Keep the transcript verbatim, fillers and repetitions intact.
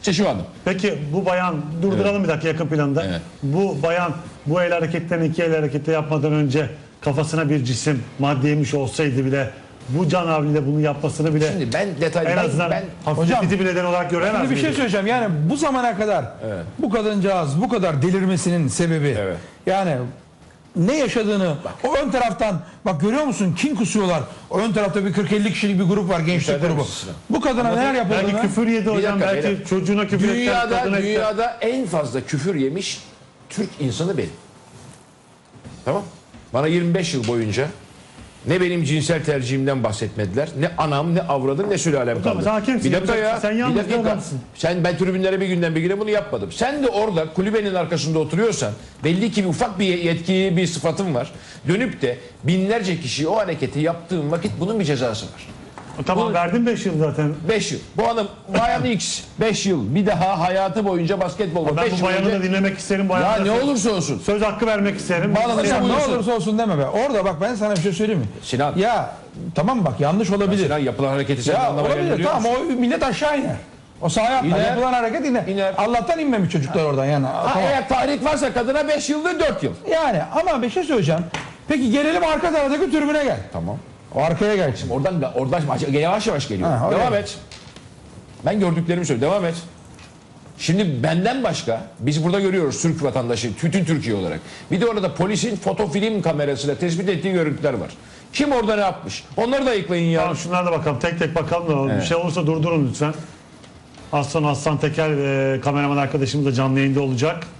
İşte şu anda. Peki bu bayan, durduralım evet. bir dakika yakın planda. Evet. Bu bayan bu el hareketlerini iki el hareketi yapmadan önce kafasına bir cisim madde yemiş olsaydı bile bu can havliyle bunu yapmasını bile Şimdi ben detaylı en azından ben, ben hafifletici bir neden olarak göremez Şimdi bir şey söyleyeceğim. Yani bu zamana kadar evet. bu kadıncağız bu kadar delirmesinin sebebi evet. yani ne yaşadığını bak. O ön taraftan bak görüyor musun kin kusuyorlar. O ön tarafta bir kırk elli kişilik bir grup var, gençlik grubu. Bu kadına neler yapıldı? Belki küfür yedi hocam, dakika, belki beyler. çocuğuna küfür etti. Dünyada, dünyada en fazla küfür yemiş Türk insanı benim. Tamam. Bana yirmi beş yıl boyunca ne benim cinsel tercihimden bahsetmediler. Ne anam, ne avradım, ne sülalem kaldı. Hakimsin, bir dakika ya. Sen bir dakika. adamsın. Sen ben tribünlere bir günden bir güne bunu yapmadım. Sen de orada kulübenin arkasında oturuyorsan belli ki bir ufak bir yetki, bir sıfatın var. Dönüp de binlerce kişi o hareketi yaptığın vakit bunun bir cezası var. Tamam Bu, verdim beş yıl zaten. beş yıl. Bu adam bayan X beş yıl. Bir daha hayatı boyunca basketbol. Ben bu bayanı önce... da dinlemek isterim. Ya ne söz, olursa olsun. Söz hakkı vermek isterim. Hocam ne olursa olsun deme be. Orada bak ben sana bir şey söyleyeyim mi? Sinan. Ya tamam bak yanlış olabilir. Sinan yapılan hareketi sen Ya anlamaya olabilir tamam o millet aşağı iner. O sahaya atlar. İner. Yapılan hareket iner. İner. Allah'tan inmemiş çocuklar oradan yani. Ha, Tamam. eğer tahrik varsa kadına beş yıl ve dört yıl. Yani ama bir şey söyleyeceğim. Peki gelelim arka taraftaki tribüne gel. Tamam. O arkaya gel şimdi. Oradan oradan yavaş yavaş geliyor. Ha, devam oraya. et. Ben gördüklerimi söylüyorum. Devam et. Şimdi benden başka biz burada görüyoruz Türk vatandaşı, bütün Türkiye olarak. Bir de orada polisin fotofilm kamerasıyla tespit ettiği görüntüler var. Kim orada ne yapmış? Onları da ayıklayın ya. Tamam, şunlara da bakalım. Tek tek bakalım da evet. Bir şey olursa durdurun lütfen. Az sonra Aslan Teker e, kameraman arkadaşımız da canlı yayında olacak.